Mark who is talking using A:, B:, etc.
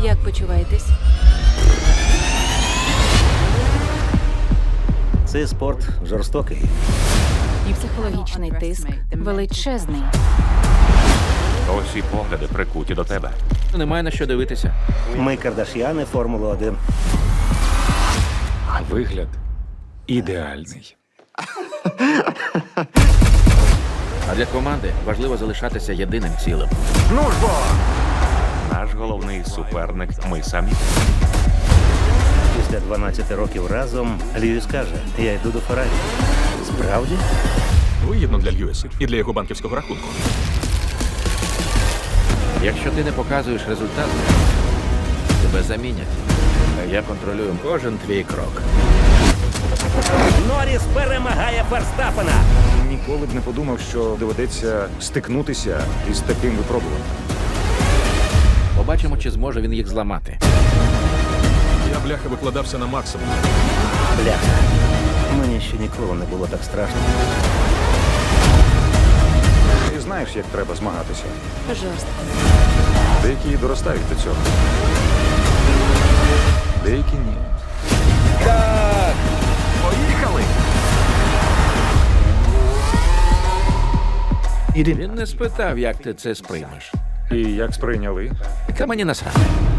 A: Як почуваєтесь?
B: Цей спорт жорстокий.
A: І психологічний тиск величезний.
C: Усі погляди прикуті до тебе.
D: Немає на що дивитися.
B: Ми Кардаш'яни Формули 1.
E: А вигляд ідеальний.
D: А для команди важливо залишатися єдиним цілим.
C: Наш головний суперник ми самі.
B: Після 12 років разом Льюіс каже, я йду до Феррарі. Справді?
E: Вигідно для Льюіса і для його банківського рахунку.
D: Якщо ти не показуєш результат, тебе замінять. А я контролюю кожен твій крок.
B: Норріс перемагає Ферстапена.
F: Ніколи б не подумав, що доведеться стикнутися із таким випробуванням.
D: Побачимо, чи зможе він їх зламати.
E: Я, бляха, викладався на максимум.
B: Бляха. Мені ще ніколи не було так страшно.
F: Ти знаєш, як треба змагатися.
A: Жорстко.
F: Деякі і доростають до цього. Деякі ні.
E: Поїхали!
D: Він не спитав, як ти це сприймеш.
F: І як сприйняли?
D: Та мені насрати.